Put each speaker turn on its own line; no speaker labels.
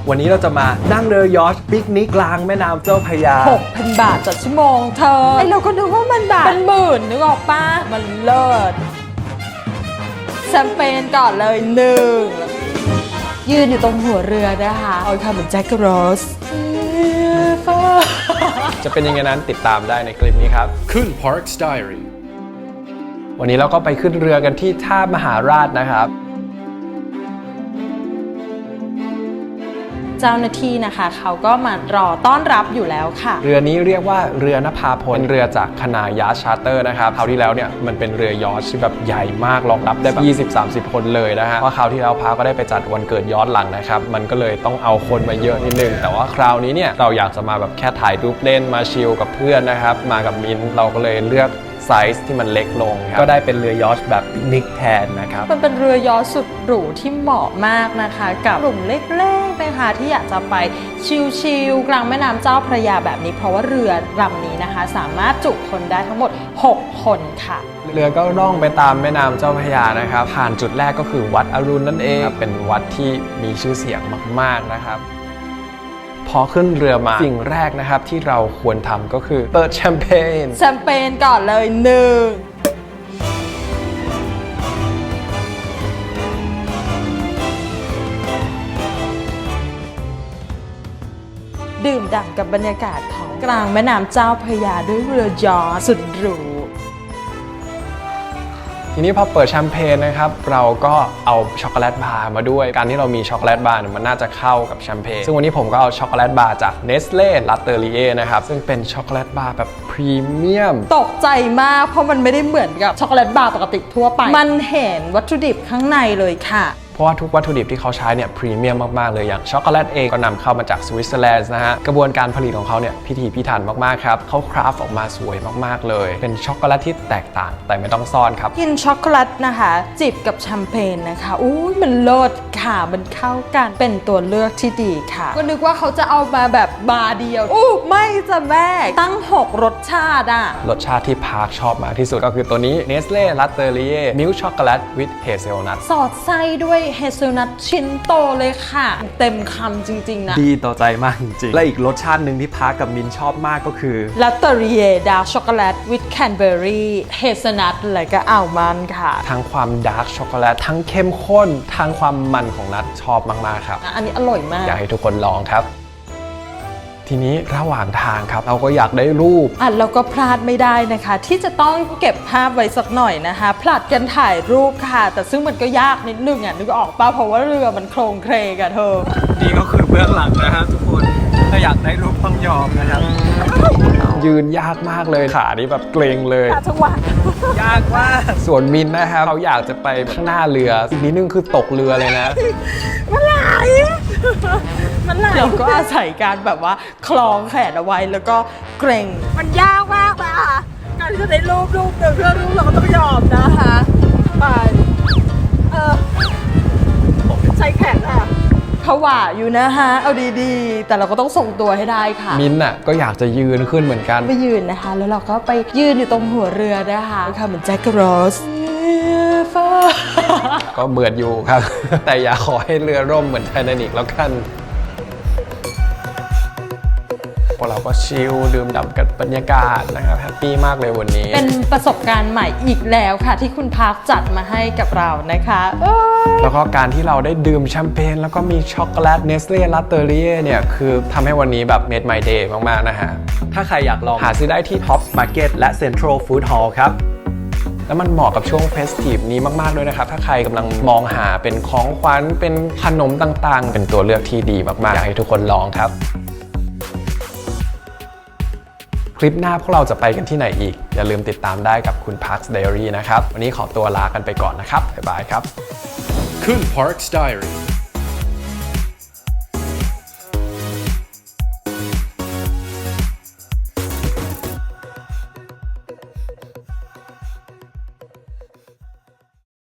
วันนี้เราจะมานั่งเรือยอชต์ปิกนิกกลางแม่น้ำเจ้าพระยา
6,000 บาทต่อชั่วโมงเธอไอเราก็นึกว่ามันแบบเป็นหมื่นนึกออกปะมันเลิศแชมเปญก่อนเลย1ยืนอยู่ตรงหัวเรือนะคะเอาค่ะเหมือนแจ็คโรส
จะเป็นยังไงนั้นติดตามได้ในคลิปนี้ครับ
Kun Park's Diary
วันนี้เราก็ไปขึ้นเรือกันที่ท่ามหาราชนะครับ
เจ้าหน้าที่นะคะเขาก็มารอต้อนรับอยู่แล้วค่ะ
เรือนี้เรียกว่าเรือนภาพลเป็นเรือจากคณะยาชาร์เตอร์นะครับคราวที่แล้วเนี่ยมันเป็นเรือยอชต์ที่แบบใหญ่มากรองรับได้แบบ20-30 คนเลยนะฮะเพราะคราวที่แล้วพาก็ได้ไปจัดวันเกิดย้อนหลังนะครับมันก็เลยต้องเอาคนมาเยอะนิดนึงแต่ว่าคราวนี้เนี่ยเราอยากจะมาแบบแค่ถ่ายรูปเล่นมาชิลกับเพื่อนนะครับมากับมินเราก็เลยเลือกไซส์ที่มันเล็กลงก็ได้เป็นเรือยอชต์แบบปิกนิกแทนนะครับ
มันเป็นเรือยอชต์สุดหรูที่เหมาะมากนะคะกับกลุ่มเล็กๆนะคะที่อยากจะไปชิลๆกลางแม่น้ำเจ้าพระยาแบบนี้เพราะว่าเรือลำนี้นะคะสามารถจุคนได้ทั้งหมด6 คนค่ะ
เรือก็ล่องไปตามแม่น้ำเจ้าพระยานะครับผ่านจุดแรกก็คือวัดอรุณนั่นเองเป็นวัดที่มีชื่อเสียงมากๆนะครับพอขึ้นเรือมาสิ่งแรกนะครับที่เราควรทำก็คือเปิดแชมเปญ
ก่อนเลยดื่มด่ำกับบรรยากาศของกลางแม่น้ำเจ้าพระยาด้วยเรือยอชต์สุดหรู
ทีนี้พอเปิดแชมเปญนะครับเราก็เอาช็อกโกแลตบาร์มาด้วยการที่เรามีช็อกโกแลตบาร์มันน่าจะเข้ากับแชมเปญซึ่งวันนี้ผมก็เอาช็อกโกแลตบาร์จาก Nestlé Latterie นะครับซึ่งเป็นช็อกโกแลตบาร์แบบพรีเมียม
ตกใจมากเพราะมันไม่ได้เหมือนกับช็อกโกแลตบาร์ปกติทั่วไปมันเห็นวัตถุดิบข้างในเลยค่ะ
เพราะว่าทุกวัตถุดิบที่เขาใช้เนี่ยพรีเมียมมากๆเลยอย่างช็อกโกแลตเองก็นำเข้ามาจากสวิตเซอร์แลนด์นะฮะกระบวนการผลิตของเขาเนี่ยพิถีพิถันมากๆครับเขาคราฟออกมาสวยมากๆเลยเป็นช็อกโกแลตที่แตกต่างแต่ไม่ต้องซ่อนครับ
กินช็อกโกแลตนะคะจิบกับแชมเปญนะคะมันเลิศค่ะมันเข้ากันเป็นตัวเลือกที่ดีค่ะก็นึกว่าเขาจะเอามาแบบบาร์เดียวไม่จะแม่ตั้ง6 รสชาติ
รสชาติที่พาร์คชอบมากที่สุดก็คือตัวนี้ Nestlé Latterie Milk Chocolate with Hazelnut
สอดไส้ด้วยเฮเซลนัทชิ้นโตเลยค่ะเต็มคำจริงๆนะ
ดีต่อใจมากจริงๆและอีกรสชาติหนึ่งที่พาร์คกับมินชอบมากก็คือ
Latterie Dark Chocolate with Canberry Hazelnut และก็อัลมอนด์ค่ะ
ทั้งความดาร์กช็อกโกแลตทั้งเข้มข้นทั้งความมันของนัทชอบมากๆครับ
อันนี้อร่อยมาก
อยากให้ทุกคนลองครับทีนี้ระหว่างทางครับเราก็อยากได้รูป
เราก็พลาดไม่ได้นะคะที่จะต้องเก็บภาพไว้สักหน่อยนะคะผลัดกันถ่ายรูปค่ะแต่ซึ่งมันก็ยากนิดนึงนึกออกป่ะเพราะว่าเรือมันโครงเคลงเธอ
นี่ก็คือเบื้องหลังนะครับทุกคนถ้าอยากได้รูปต้องยอมนะครับยืนยากมากเลยขานี่แบบเกรงเลย
จังหวะ
ยากมากส่วนมินนะครับเขาอยากจะไปข้างหน้าเรืออีกนิดนึงคือตกเรือเลยนะ
มันไหลเราก็อาศัยการแบบว่าคล้องแขนเอาไว้แล้วก็เกรงมันยากมากนะคะการที่จะได้รูปหนึ่งเพื่อรูปเราก็ต้องยอมนะคะไปใช้แขนผวาอยู่นะคะเอาดีๆแต่เราก็ต้องทรงตัวให้ได้ค่ะ
มินก็อยากจะยืนขึ้นเหมือนกัน
ไปยืนนะคะแล้วเราก็ไปยืนอยู่ตรงหัวเรือนะคะเหมือนแจ็คโรส
ก็เบื่ออยู่ครับแต่อย่าขอให้เรือร่มเหมือนไททานิคแล้วกันพวกเราก็ชิลดื่มด่ำกับบรรยากาศนะครับแฮปปี้มากเลยวันนี้
เป็นประสบการณ์ใหม่อีกแล้วค่ะที่คุณพาร์คจัดมาให้กับเรานะคะ
แล้วก็การที่เราได้ดื่มแชมเปญแล้วก็มีช็อกโกแลต Nestlé Latterie เนี่ยคือทำให้วันนี้แบบ made my day มากๆนะฮะถ้าใครอยากลองหาซื้อได้ที่ Top Market และ Central Food Hall ครับแล้วมันเหมาะกับช่วงเฟสทีฟนี้มากๆด้วยนะครับถ้าใครกำลังมองหาเป็นของขวัญเป็นขนมต่างๆเป็นตัวเลือกที่ดีมากๆอยากให้ทุกคนลองครับคลิปหน้าพวกเราจะไปกันที่ไหนอีกอย่าลืมติดตามได้กับคุณ Park's Diary นะครับวันนี้ขอตัวลากันไปก่อนนะครับบ๊ายบายครับ
Kun Park's Diary